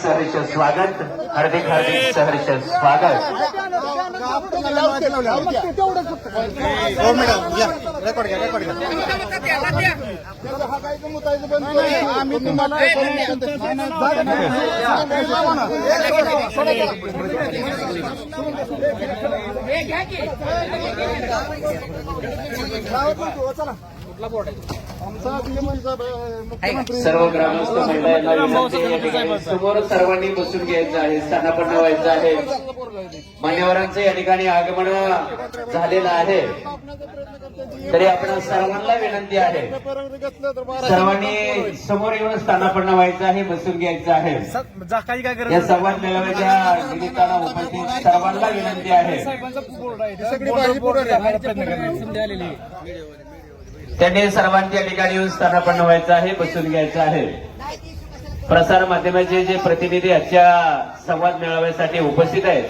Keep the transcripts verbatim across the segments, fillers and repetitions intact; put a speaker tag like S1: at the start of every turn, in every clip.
S1: सहर्ष स्वागत, हार्दिक हार्दिक सहर्ष स्वागत। सर्व ग्रामस्थ मंडळांना विनंती आहे, या ठिकाणी समोर सर्वांनी बसून घ्यायचं आहे, स्थानापन्न व्हायचं आहे। मान्यवरांचं या ठिकाणी आगमन झालेलं आहे, तरी आपण सर्वांना विनंती आहे, सर्वांनी समोर येऊन स्थानापन्न व्हायचं आहे, बसून घ्यायचं आहे। या संवाद मेळाव्याच्या निमित्तानं उपस्थित सर्वांना विनंती आहे, त्यांनी सर्वांच्या ठिकाणी येऊन स्थानापन्न व्हायचं आहे, बसून घ्यायचं आहे। प्रसार माध्यमाचे जे प्रतिनिधी आजच्या संवाद मेळाव्यासाठी उपस्थित आहेत,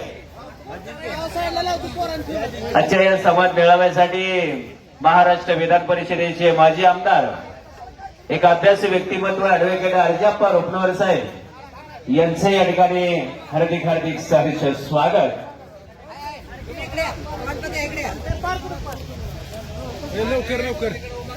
S1: आजच्या या संवाद मेळाव्यासाठी महाराष्ट्र विधान परिषदेचे माजी आमदार, एक अभ्यास व्यक्तिमत्व ऍडव्होकेट अर्जाप्पा रोपनवर साहेब यांचं या ठिकाणी हार्दिक हार्दिक सहर्ष स्वागत।
S2: लवकर लवकर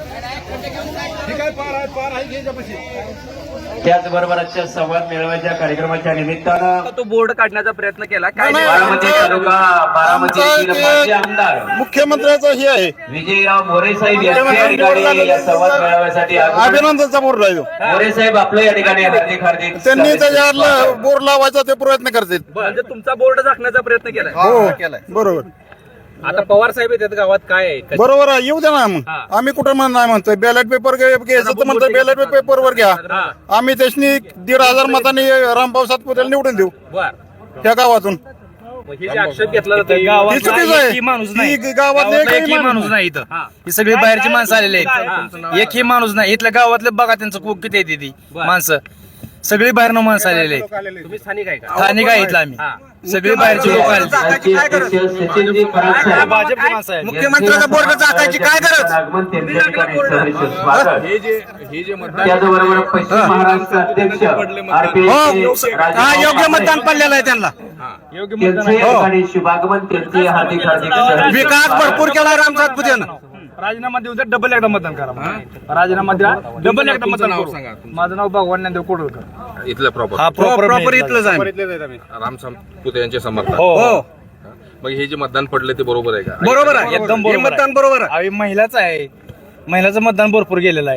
S1: त्याचबरोबर आजच्या संवाद मेळाव्याच्या कार्यक्रमाच्या निमित्तानं
S3: तो बोर्ड काढण्याचा प्रयत्न केला काय
S1: बारामती तालुका बारामती माजी आमदार
S2: मुख्यमंत्र्याचा हे आहे
S1: विजयराव मोरे साहेब यांच्या ठिकाणी या संवाद मेळाव्यासाठी
S2: अभिनंदनचा बोर्ड राहिलो
S1: मोरे साहेब आपलं या ठिकाणी हार्दिक हार्दिक
S2: त्यांनी त्याच्यावर बोर्ड लावायचा ते प्रयत्न करतात।
S3: म्हणजे तुमचा बोर्ड झाकण्याचा प्रयत्न केलाय
S2: हो बरोबर।
S3: आता पवार साहेब येतात गावात काय आहे
S2: बरोबर आहे, येऊ द्या ना मग। आम्ही कुठं म्हण नाही म्हणतोय बॅलेट पेपर घ्यायचं तर म्हणतोय बॅलेट पेपरवर घ्या। आम्ही त्याशनी दीड हजार मतांनी रामभाऊ सातपुतेला निवडून देऊ
S3: बर
S2: त्या गावातून।
S3: हे जे आक्षेप घेतला जातो
S2: ही चुकीचं आहे, ही गावातले एकही
S4: माणूस नाही इथं, ही सगळी बाहेरची माणसं आलेली आहेत, एकही माणूस नाही इथल्या गावातले बघा त्यांचं खूप किती येते ती माणसं, सगळी बाहेरनं माणसं आलेली आहेत।
S3: तुम्ही स्थानिक आहे का?
S4: स्थानिक आहे इथलं आम्ही, सगळी बाहेरची लोक आले,
S1: सचिनजी पराग साहेब
S4: भाजपची माणसं आहेत।
S2: मुख्यमंत्र्याचा बोर्ड टाकायची काय गरज?
S1: आगमन त्यांच्या ठिकाणी सहर्ष स्वागत। त्याचबरोबर पश्चिम महाराष्ट्र अध्यक्ष आरपीआय
S2: हा योग्य मतदान पडलेलं आहे त्यांना,
S1: त्यांचे या ठिकाणी शुभागमन, त्यांचे हार्दिक हार्दिक सहर्ष
S2: विकास भरपूर केलाय राम सातपुतेनं।
S4: राजीनामा देऊ द्या, डबल एकदा मतदान करा, राजीनामा द्या, डबल एकदा मतदान करू। माझं नाव भगवान ज्ञानदेव कोडवळकर,
S5: इथलं प्रॉपर
S4: हा प्रॉपर
S2: प्रॉपर इथलंच आहे।
S5: राम सातपुते यांचे समर्थक।
S4: हो
S5: मग हे जे मतदान पडले ते बरोबर आहे का?
S2: बरोबर आहे,
S4: एकदम
S2: हे
S4: बरोबर
S2: मतदान बरोबर आहे।
S4: आहे, महिलाच आहे, महिलाचं मतदान भरपूर गेलेलं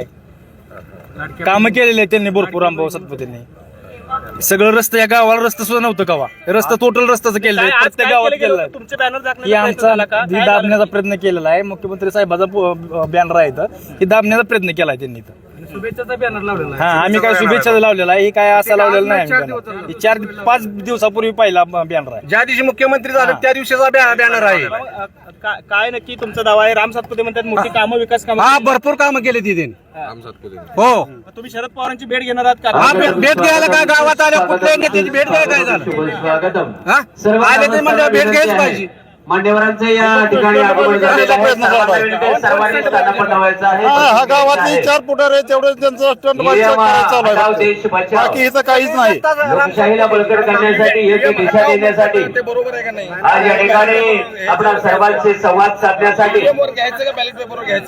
S4: आहे, कामं केलेले आहेत त्यांनी भरपूर रामभाऊ सातपुतेंनी। सगळं रस्ते या गावाला रस्ता सुद्धा नव्हतं गावा, रस्ता टोटल रस्त्याचं केलेलं आहे, प्रत्येक गावात केलेलं आहे।
S3: तुमचे बॅनर
S4: ही
S3: झाकण्याचा
S4: आमचा
S3: प्रयत्न झाला का?
S4: ही दाबण्याचा प्रयत्न केलेला आहे, मुख्यमंत्री साहेबाचा बॅनर आहे इथं, ही दाबण्याचा प्रयत्न केलाय त्यांनी इथं।
S3: शुभेच्छाचा बॅनर लावलेला आहे.
S4: हा आम्ही काय शुभेच्छा लावलेला आहे, ही काय असा लावलेला नाही आम्ही banner. ही चार पाच दिवसापूर्वी पहिला बॅनर आहे।
S2: ज्या दिवशी मुख्यमंत्री झाले त्या दिवशीचा बॅनर आहे।
S3: अ, का- काय नक्की तुमचा दावा आहे? राम सातपुते म्हणतात मोठी कामं, विकास कामं
S2: हा भरपूर कामं केली तिथे।
S5: राम सातपुते
S2: हो
S3: तुम्ही शरद पवारांची भेट घेणार आहात का?
S2: हा भेट भेट घ्यायला काय गावात आल्या कुठल्या नेत्याची भेट घ्यायला काय झालं?
S1: स्वागतम।
S2: हा
S1: सर्व
S2: आले ते म्हणजे भेट घ्यायच
S1: विनंती आहे,
S2: पाहिजे।
S1: मान्यवरांचं या ठिकाणी आगमन झालेलं आहे, सर्वांना विनंती आहे, सर्वांनी स्थानापन्न व्हायचं आहे,
S2: हा हा
S1: बसून
S2: गावातली
S1: घ्यायचं
S2: चार फुटार आहे तेवढे त्यांचं स्टंट
S1: नियम हटाव, देश
S2: चालू आहे,
S1: बचाव।
S2: बाकी इथं काहीच नाही।
S1: लोकशाहीला बलकट करण्यासाठी, योग्य दिशा देण्यासाठी
S2: बरोबर आहे का नाही?
S1: आज या ठिकाणी आपल्या सर्वांचे संवाद साधण्यासाठी
S2: कसं बॅलेट पेपर घ्या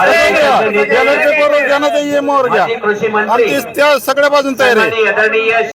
S1: माजी
S2: ते एमवर घ्या
S1: कृषी मंत्री
S2: आणि त्या सगळ्या बाजून तयार आहे।
S1: आदरणीय